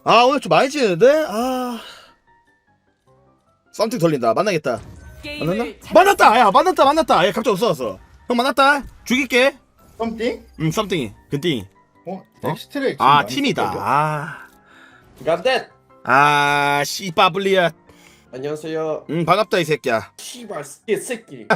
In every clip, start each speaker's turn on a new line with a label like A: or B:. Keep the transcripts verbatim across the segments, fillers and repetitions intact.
A: 아 오늘 좀 많이 지는데? 아 썸띵 돌린다. 만나겠다. 만났나? 만났다! 야 만났다 만났다. 야 갑자기 없어졌어. 형 만났다. 죽일게.
B: 썸띵?
A: 응 썸띵이 근띵이.
B: 어?
A: 어?
B: 엑스트랙
A: 아 팀이다. 아,
C: Got that.
A: 아 씨바블리야.
C: 안녕하세요.
A: 응 반갑다 이 새끼야.
C: 씨발 이 새끼.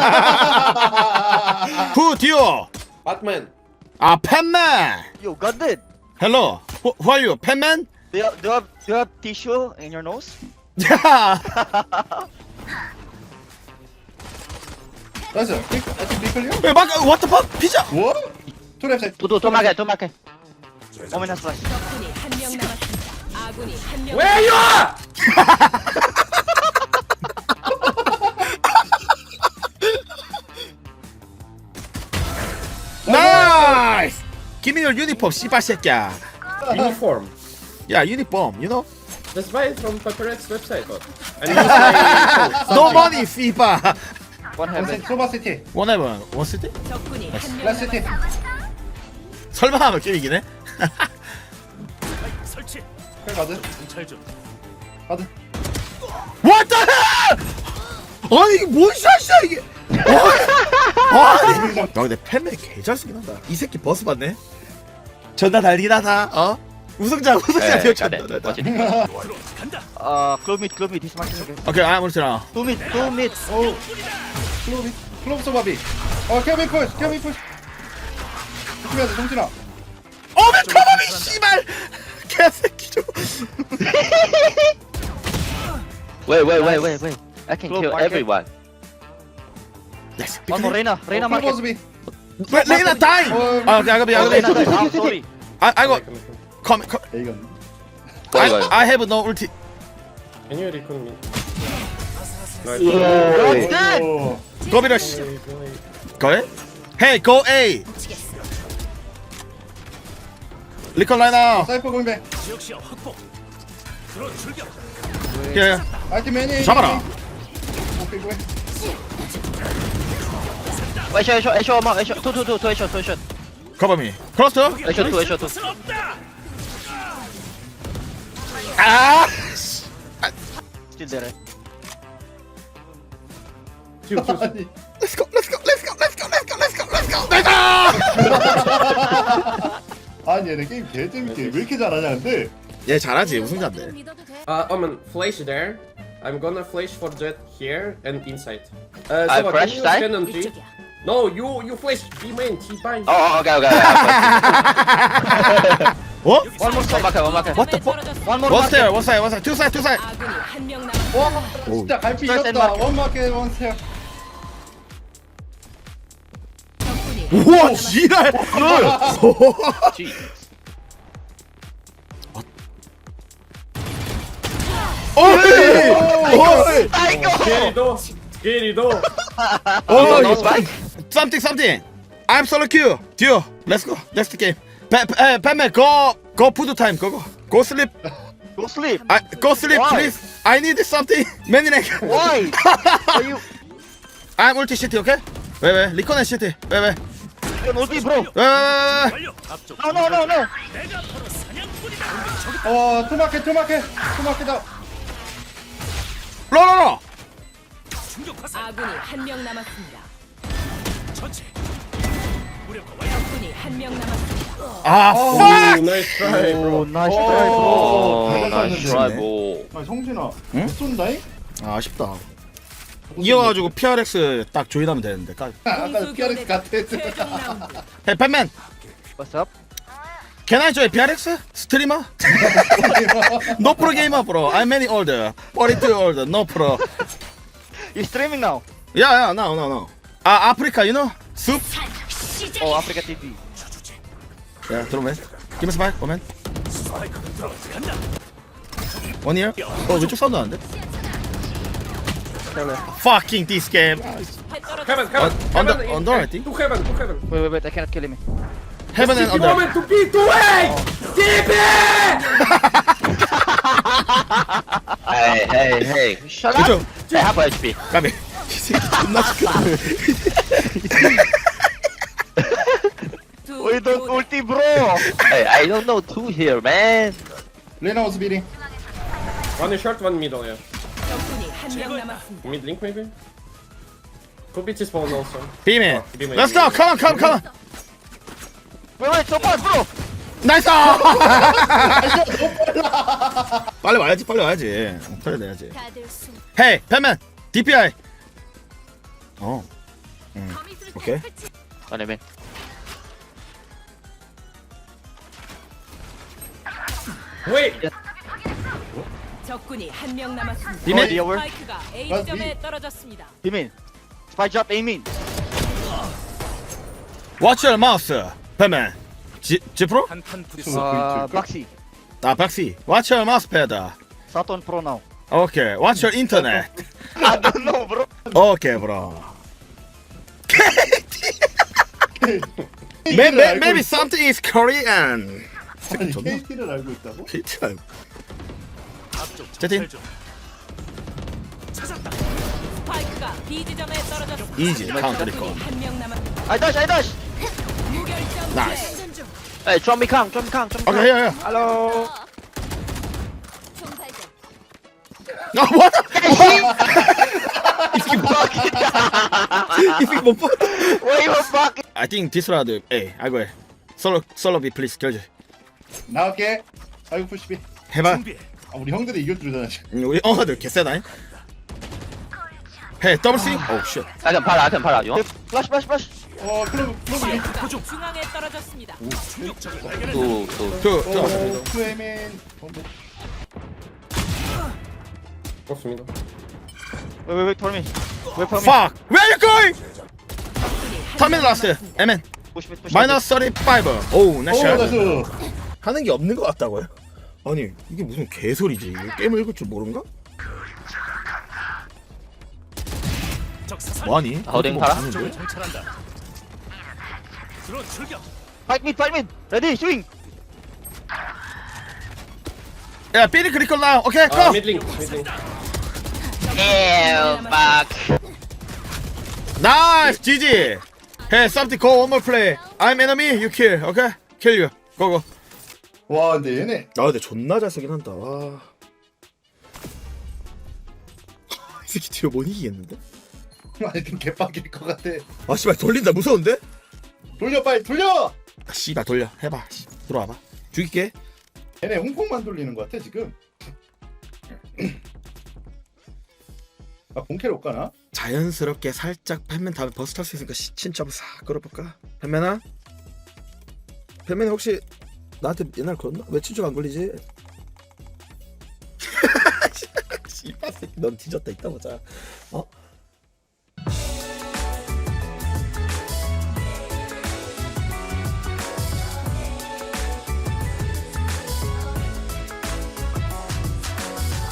A: 후 디오.
C: Batman.
A: 아 팬맨.
D: You got it.
A: Hello. Who, who are you? 팬맨?
D: Do you, do you have do you have tissue in your nose?
A: 야.
B: 나이스 아직 비클리어?
A: 왜 막 what the fuck? 피자.
B: 뭐? 트랩 사
D: Do do do make do make. Omen flash.
E: 적군이 한 명 남았습니다. 아군이 한 명.
C: Where you are?
A: 나이스. Give me your uniform 씨발 새끼야.
C: Uniform.
A: 야 유니폼 you know?
C: Just buy it from Paparazzi website. But. And use my
A: No money 씨발.
D: One heaven.
B: 소바시티
A: 원해봐 원쓸 때?
E: 적군이 한 명
B: 라시티
E: 남았습니다.
A: 설마 하면 게임이긴 해?
B: 형 가드 가드
A: What the hell! 아니 이게 뭔 샷이야 이게? 아니. 야 근데 팬맨 개잘쓰긴 한다. 이 새끼 버스 봤네? 존나 달리긴 하다. 어? 우승자 우승자
D: Hey,
A: 되어
D: got it. Watch it. Uh, club mid, club mid. He's marking again.
A: 오케이 아 모르잖아.
D: Two mid, two mid.
B: 오 클로비 클로브 소바비 어 케빈 푸시 케빈 푸시 조심해야 돼 정진아
A: 어메 커버미 씨발 개새끼 좀.
F: Wait, wait, wait, wait, wait. I can
D: Club
F: kill
D: market.
F: everyone.
A: Yes.
D: One more Reina, Reina market.
B: 클로버즈비
A: Wait, 레이나 다이.
B: 어,
A: 아 야그비
D: Oh, Reina
A: 야그비.
D: died. Oh, sorry.
A: 아 아이고 come come.
B: 에이건
A: I
F: Wait, wait.
A: I have no ulti.
C: Can you recon me?
B: 오
A: 거비러 씨. 거래? Hey go A. 리컨 라이나.
B: 사이퍼 공백
A: 예.
B: 아이템 매니
A: 잡아라.
B: 오케이 고해
D: A shot, A shot, A shot, A shot. Two, two, two, two A shot, two A shot.
A: 커버미. 크로스터?
D: A shot, two, A shot, two.
A: 아.
D: Still there. Eh?
C: Shoot, shoot, shoot.
B: 아니
A: Let's go. Let's go. Let's go. Let's go. Let's go. Let's go. Let's go. Let's go.
B: 아니 얘네 게임 개 재밌게 왜 이렇게 잘하냐 근데
A: 얘 잘하지 우승자인데.
C: Uh, Omen, flash there. I'm gonna flash for Jet here and inside. Uh,
F: I
C: Soba,
F: flash
C: can you
F: side?
C: stand on G? No, you you flash B main. T bind.
F: Oh, oh, okay, okay. okay.
A: 어?
D: One more
F: One
D: side.
F: market, one market.
A: What the fuck?
D: One more
A: One
D: market.
A: stair. One side. One side. Two side. Two side.
E: 아군이 한 명 남았습니다.
B: 와 진짜 갈피
D: First
B: 이겼다
D: and
B: 원마켓 원스텝
E: 적군이
A: 우와 지랄.
F: Jeez.
A: 어이. 어이.
C: Querido, querido.
F: No, no
A: 어이.
F: spike?
A: Something. Something. I'm solo queue. Duo. Let's go. That's the game. Pa- pa- uh, Batman, go. Go. Put time. Go. Go. Go sleep.
D: Go sleep.
A: I go sleep,
D: Why?
A: please. I need something. Maniac.
D: Why? Are you?
A: I'm ulti shitty, okay? 왜 왜? 리코네 shitty. 왜 왜?
D: You're multi, bro.
A: 왜 왜? 왜?
D: No, no, no, no.
B: 어 투마켓 투마켓 투마켓다
A: 로로로.
E: 아군이 한 명 남았습니다. 적군이 한 명 남았습니다.
A: 아,
C: Oh,
A: fuck.
C: nice try, bro.
D: Oh, nice try, bro.
F: Oh,
B: 잘
F: nice
B: 쐈는데.
F: try, bro.
B: 아니 성진아
A: 응?
B: 못 쏜다잉?
A: 아, 아쉽다. 이어가지고 피알엑스 딱 조인하면 되는데. 까.
B: 아까 피아렉스 같아
E: 최종 라운드.
A: Hey, Batman.
D: What's up?
A: Can I join 피알엑스? 스트리머? No pro gamer, bro. I'm many older. forty-two older. No pro.
D: You streaming now?
A: Yeah, yeah. No, no, no. 아, 아프리카, you know? Soup?
D: Oh, Africa T V.
A: 야, 들어오면. Give me spike, 오면. One here? 어, 왼쪽 사운드 나는데? Fucking this game.
C: Heaven, heaven.
A: under-
C: heaven,
A: under, I
C: eh,
A: think.
C: To heaven, to heaven.
D: Wait, wait, wait. I cannot kill him.
A: Heaven and
C: T P
A: under.
C: moment to P to A. T P.
F: Hey, hey, hey. Shut
A: 그쪽.
F: up. I have H P.
A: 까비. 이 새끼 존나 시끄러.
D: We don't ulti, bro.
F: Hey, I don't know two here, man.
B: 레나 was beating.
C: One is short, one middle, yeah.
E: 적군이 한 명 남았습니다.
C: Mid link maybe? Could be T-spawn also.
A: 비밀.
C: 비밀.
A: Let's go. Come on, come on, come on.
D: Wait, wait, so far, bro.
A: 나이스. 빨리 와야지, 빨리 와야지. 어, 빨리 내야지. 헤이, 팬맨. 디피아이. 어. 음. 오케이.
F: One man.
C: Wait!
E: 적군이 한 명 남았습니다.
A: 비밀.
D: Ready, over.
E: 스파이크가 A
B: What?
E: 지점에 떨어졌습니다.
D: Bimin. Spy drop, aiming.
A: Watch your mouse. 팬맨. 지, 지프로?
D: Uh, Baxi.
A: 아, 박시. Watch your mouse pad.
D: Saturn Pro now.
A: 오케이. Watch your internet.
D: I don't know, bro.
A: 오케이, 브로. Maybe, maybe something is Korean.
B: 아니
A: 존나.
B: 케이티를 알고 있다고?
A: 피트 알고. 채팅.
E: 스파이크가 B 지점에 떨어졌습니다.
A: 이지 카운터 리콜.
E: 적군이 한 명 남았습니다.
D: I dash, I dash.
E: 무결점
A: 나이스.
E: 플레이.
F: Hey, drop me Kang, drop me Kang, drop me
A: 오케이,
F: Kang.
A: 야, 야.
D: Hello.
A: 아, 뭐야? 이 새끼 뭐? 이 새끼 못 봐.
D: Wait, you fuck.
A: I think this round, hey, I go ahead. Solo, solo B, please, 결제.
B: 나올게. 아이고 푸시비.
A: 해봐.
B: 아 우리 형들이 이길 줄이잖아 지금.
A: 음, 우리 엉아들 개쎄다. 해, 더블 스 오, 쉣.
F: I can para, I can para. You want?
D: Flash, flash, flash.
B: 어 클로브 클로브 리.
E: 스파이크가 중앙에 떨어졌습니다.
F: Two, two.
A: 투, 투.
B: 어 투에맨.
C: What's middle?
D: Wait, wait, wait for me. Wait for me.
A: Fuck! Where you going?
E: 적군이 한
A: 터미널
E: 명
A: 라스트.
E: 남았습니다.
A: 에멘.
D: Push me, push me.
A: 마이너스 삼십오. 오우,
B: 오
A: 나이스.
B: 나이스.
A: 하는 게 없는 것 같다고요? 아니, 이게 무슨 개소리지? 이거 게임을 읽을 줄 모른가? 뭐하니?
F: 어딘 팔아?
D: Fight mid, fight mid. Ready, swing.
A: 야, 삐리 크리컬 나. 오케이,
C: Uh,
A: 고!
C: mid link, mid link.
F: Ew, fuck.
A: 나이스, 지지. Hey, something go one more play. I'm enemy, you kill. 오케이? Kill you. 고고.
B: 와 근데 얘네.
A: 아, 근데 존나 잘 쓰긴 한다. 와. 이 새끼 뒤로 못 이기겠는데?
B: 아니 좀 개빡일 것 같아.
A: 아, 씨발, 돌린다. 무서운데?
B: 돌려 빨리 돌려.
A: 아, 씨발, 돌려. 해봐. 씨, 들어와봐. 죽일게.
B: 얘네 홍콩만 돌리는 것 같아 지금. 아 본캐로 올까나?
A: 자연스럽게 살짝 팬맨 다음에 버스 탈 수 있으니까 신점 싹 끌어볼까? 팬맨아? 팬맨이 혹시 나한테 옛날 그랬나? 왜 친추가 안 걸리지? 씨발 새끼 넌 뒤졌다 이따 보자. 어?